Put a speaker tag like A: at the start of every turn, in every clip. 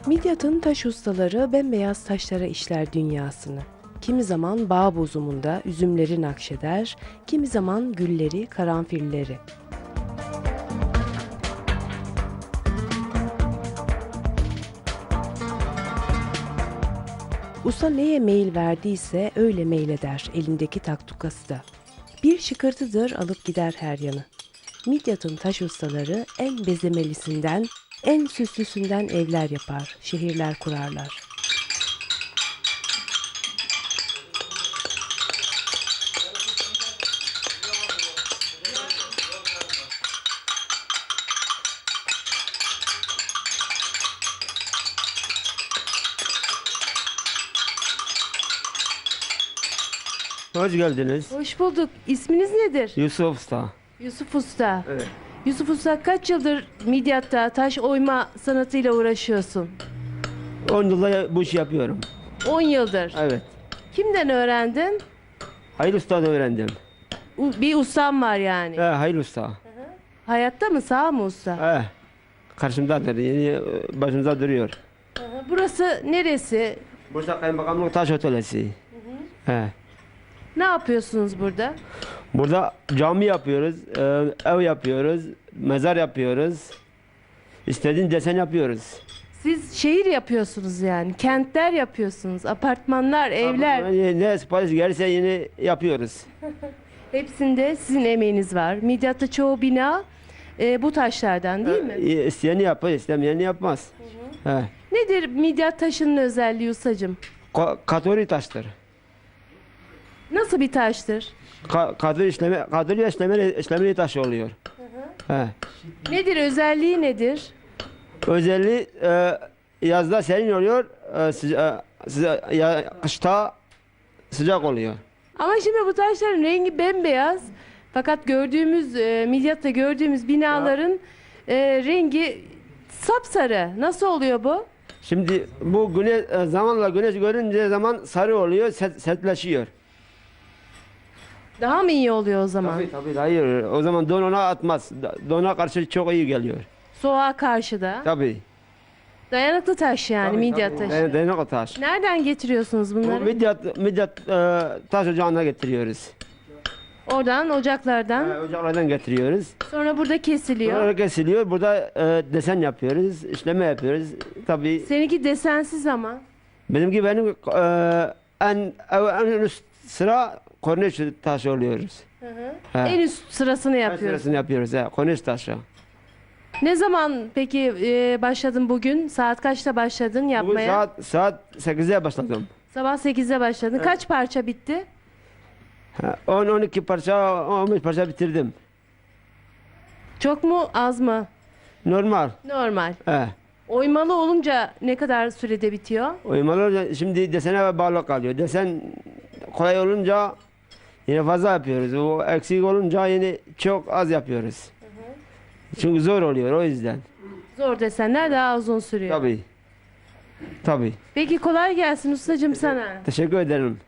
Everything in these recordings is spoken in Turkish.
A: Midyat'ın taş ustaları bembeyaz taşlara işler dünyasını. Kimi zaman bağ bozumunda üzümleri nakşeder, kimi zaman gülleri, karanfilleri. Usta neye meyil verdiyse öyle meyleder elindeki taktukası da. Bir şıkırtıdır alıp gider her yanı. Midyat'ın taş ustaları en bezemelisinden, en süslüsünden evler yapar, şehirler kurarlar.
B: Hoş geldiniz.
A: Hoş bulduk. İsminiz nedir?
B: Yusuf Usta.
A: Yusuf Usta.
B: Evet.
A: Yusuf Usta kaç yıldır Midyat'ta taş oyma sanatıyla uğraşıyorsun?
B: 10 yılda bu işi yapıyorum.
A: 10 yıldır.
B: Evet.
A: Kimden öğrendin?
B: Hayır Usta'dan öğrendim.
A: Bir ustam var yani.
B: Hayır Usta.
A: Hayatta mı, sağ mı usta?
B: Karşımdadır. Yeni başımıza duruyor.
A: Burası neresi?
B: Bursa Kaymakamlık Taş Atölyesi.
A: Ne yapıyorsunuz burada?
B: Burada cami yapıyoruz, ev yapıyoruz, mezar yapıyoruz. İstediğin desen yapıyoruz.
A: Siz şehir yapıyorsunuz yani. Kentler yapıyorsunuz. Apartmanlar, evler.
B: Ne sipariş gelirse yeni yapıyoruz.
A: Hepsinde sizin emeğiniz var. Midyat'ta çoğu bina bu taşlardan değil mi?
B: İsteyeni yapar, istemeyeni yapmaz.
A: Nedir Midyat taşının özelliği ustacığım?
B: Katoli taştır.
A: Nasıl bir taştır?
B: Kadri işlemeli taş oluyor.
A: Nedir, özelliği nedir?
B: Özelliği yazda serin oluyor, kışta sıcak oluyor.
A: Ama şimdi bu taşların rengi bembeyaz. Fakat gördüğümüz, Midyat'ta gördüğümüz binaların rengi sapsarı. Nasıl oluyor bu?
B: Şimdi bu zamanla güneş görünce zaman sarı oluyor, sertleşiyor.
A: Daha mı iyi oluyor o zaman?
B: Tabii, hayır. O zaman donuna atmaz. Dona karşı çok iyi geliyor.
A: Soğuğa karşı da.
B: Tabii.
A: Dayanıklı taş yani Midyat taşı.
B: Dayanıklı taş.
A: Nereden getiriyorsunuz
B: Bu
A: bunları?
B: Midyat taş ocağına getiriyoruz.
A: Oradan, ocaklardan.
B: Ocaklardan getiriyoruz.
A: Sonra burada kesiliyor.
B: Sonra kesiliyor. Burada desen yapıyoruz, işleme yapıyoruz. Tabii.
A: Seninki desensiz ama.
B: Benim en üst sıra korniş taşı oluyoruz.
A: En üst sırasını yapıyoruz.
B: Sırasını yapıyoruz. Korniş taşı.
A: Ne zaman peki başladın bugün? Saat kaçta başladın
B: Bugün
A: yapmaya?
B: saat 8'de başladım.
A: Sabah 8'de başladın. Kaç parça bitti?
B: 10-12 parça, 15 parça bitirdim.
A: Çok mu, az mı?
B: Normal.
A: Normal.
B: He.
A: Oymalı olunca ne kadar sürede bitiyor?
B: Oymalar şimdi desene bağlı kalıyor. Desen kolay olunca yine fazla yapıyoruz. O eksik olunca yine çok az yapıyoruz. Çünkü zor oluyor o yüzden.
A: Zor desenler daha uzun sürüyor.
B: Tabii. Tabii.
A: Peki kolay gelsin ustacığım sana.
B: Teşekkür ederim.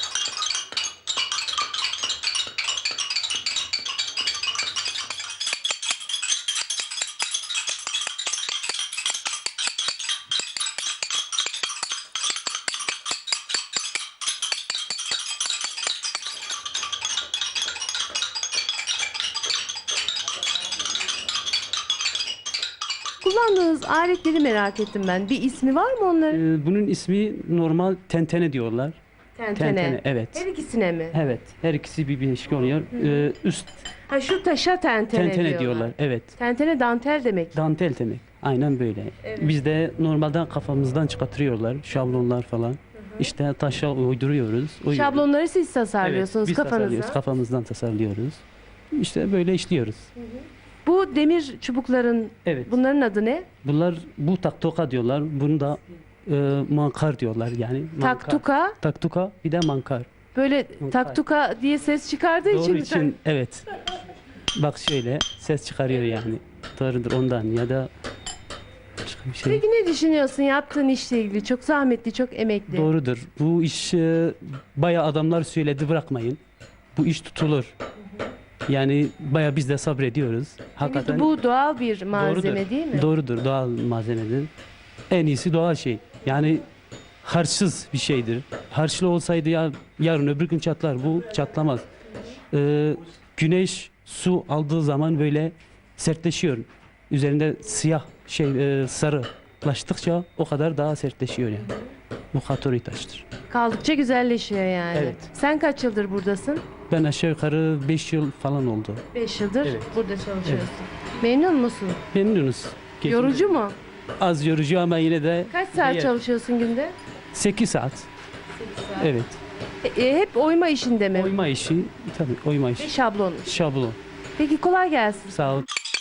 A: Kullandığınız aletleri merak ettim ben. Bir ismi var mı onların?
C: Bunun ismi normal tentene diyorlar.
A: Tentene.
C: Evet.
A: Her ikisine mi?
C: Evet. Her ikisi bir bileşik oluyor. Üst
A: Ha, şu taşa tentene,
C: tentene diyorlar. Evet.
A: Tentene dantel demek.
C: Dantel demek. Aynen böyle.
A: Evet.
C: Bizde normalden kafamızdan çıkartıyorlar. Şablonlar falan. İşte taşa uyduruyoruz.
A: Şablonları siz
C: Evet,
A: tasarlıyorsunuz
C: biz
A: kafanıza.
C: tasarlıyoruz. Kafamızdan tasarlıyoruz. İşte böyle işliyoruz.
A: Bu demir çubukların,
C: Evet.
A: bunların adı ne?
C: Bunlar bu taktuka diyorlar. Bunu da mankar diyorlar yani. Mankar.
A: Taktuka.
C: Taktuka bir de mankar.
A: Böyle
C: Mankar.
A: taktuka diye ses çıkardığı
C: Doğru
A: için.
C: için evet. Bak şöyle ses çıkarıyor yani. Doğrudur ondan ya da başka bir şey.
A: Peki ne düşünüyorsun yaptığın işle ilgili? Çok zahmetli, çok emekli.
C: Doğrudur. Bu iş bayağı adamlar söyledi bırakmayın. Bu iş tutulur. Yani bayağı biz de sabrediyoruz.
A: Çünkü bu doğal bir malzeme
C: doğrudur.
A: değil mi?
C: Doğrudur. Doğal malzemedir. en iyisi doğal şey. Yani harçsız bir şeydir. Harçlı olsaydı ya yarın öbür gün çatlar. Bu çatlamaz. Güneş su aldığı zaman böyle sertleşiyor. Üzerinde siyah sarılaştıkça o kadar daha sertleşiyor yani. Bu katori taştır.
A: Kaldıkça güzelleşiyor yani.
C: Evet.
A: Sen kaç yıldır buradasın?
C: Ben aşağı yukarı 5 yıl falan oldu.
A: 5 yıldır
C: Evet.
A: burada çalışıyorsun. Memnun musun?
C: Memnunuz.
A: Yorucu mu?
C: Az yorucu ama yine de
A: Kaç saat çalışıyorsun günde?
C: 8 saat. Evet.
A: Hep oyma işinde mi?
C: Oyma işi, tabii oyma
A: Ve
C: işi.
A: şablon.
C: Şablon.
A: Peki kolay gelsin.
C: Sağ ol.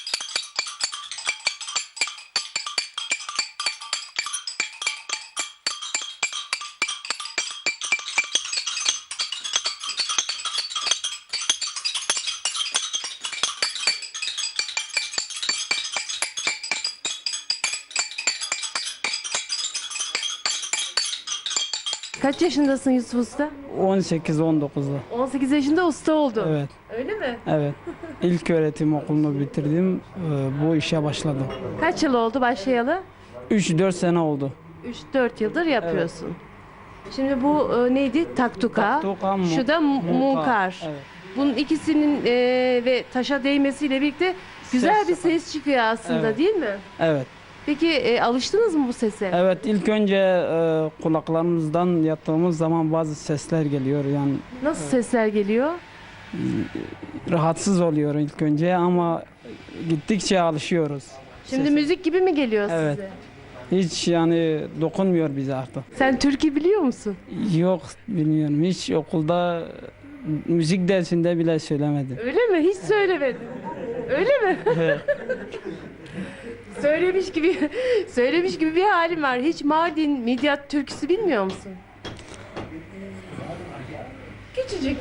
A: Kaç yaşındasın Yusuf Usta?
D: 18-19'da.
A: 18 yaşında usta oldun.
D: Evet,
A: Öyle mi?
D: evet. İlk öğretim okulunu bitirdim. Bu işe başladım.
A: Kaç yıl oldu başlayalı?
D: 3-4 sene oldu.
A: 3-4 yıldır yapıyorsun. Şimdi bu neydi? Taktuka.
D: Taktuka,
A: Şu da munkar.
D: Evet.
A: Bunun ikisinin ve taşa değmesiyle birlikte güzel
D: Ses
A: bir
D: çıkar.
A: ses çıkıyor aslında,
D: Evet.
A: değil mi?
D: Evet.
A: Peki alıştınız mı bu sese?
D: Evet, ilk önce kulaklarımızdan yattığımız zaman bazı sesler geliyor. Yani
A: Nasıl sesler geliyor?
D: rahatsız oluyor ilk önce ama gittikçe alışıyoruz.
A: Şimdi
D: Sese.
A: müzik gibi mi geliyor
D: Evet.
A: size?
D: Hiç yani dokunmuyor bize artık.
A: Sen türkü biliyor musun?
D: Yok, bilmiyorum. Hiç okulda müzik dersinde bile söylemedim.
A: Öyle mi? Hiç söylemedin. Öyle mi? Söylemiş gibi bir halim var. Hiç Mardin Midyat türküsü bilmiyor musun? Küçücük.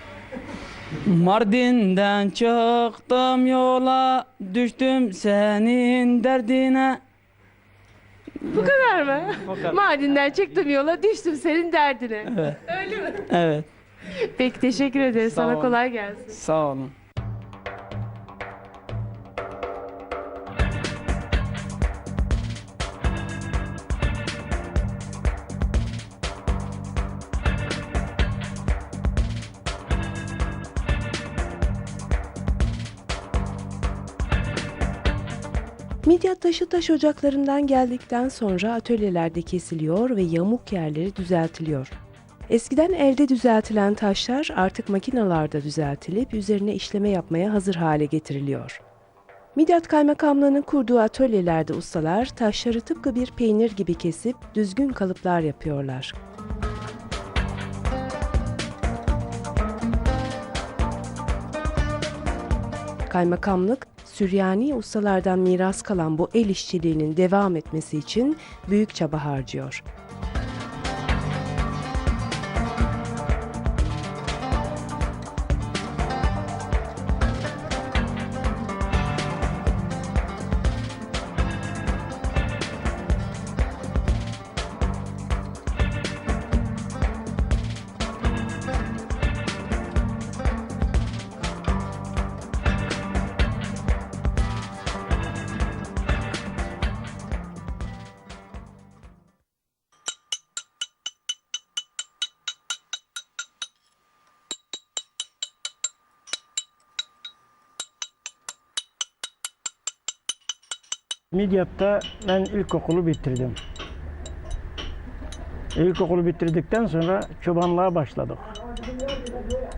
D: Mardin'den çıktım yola, düştüm senin derdine.
A: Bu kadar mı?
D: Bu kadar.
A: Mardin'den çıktım yola, düştüm senin derdine.
D: Evet.
A: Öyle mi?
D: Evet,
A: Peki, teşekkür ederiz.
D: Sağ
A: Sana
D: ol.
A: kolay gelsin.
D: sağ olun.
A: Midyat taşı taş ocaklarından geldikten sonra atölyelerde kesiliyor ve yamuk yerleri düzeltiliyor. Eskiden elde düzeltilen taşlar artık makinalarda düzeltilip üzerine işleme yapmaya hazır hale getiriliyor. Midyat Kaymakamlığı'nın kurduğu atölyelerde ustalar taşları tıpkı bir peynir gibi kesip düzgün kalıplar yapıyorlar. Kaymakamlık, Süryani ustalardan miras kalan bu el işçiliğinin devam etmesi için büyük çaba harcıyor.
E: Midyat'ta ben ilkokulu bitirdim. İlkokulu bitirdikten sonra çobanlığa başladık.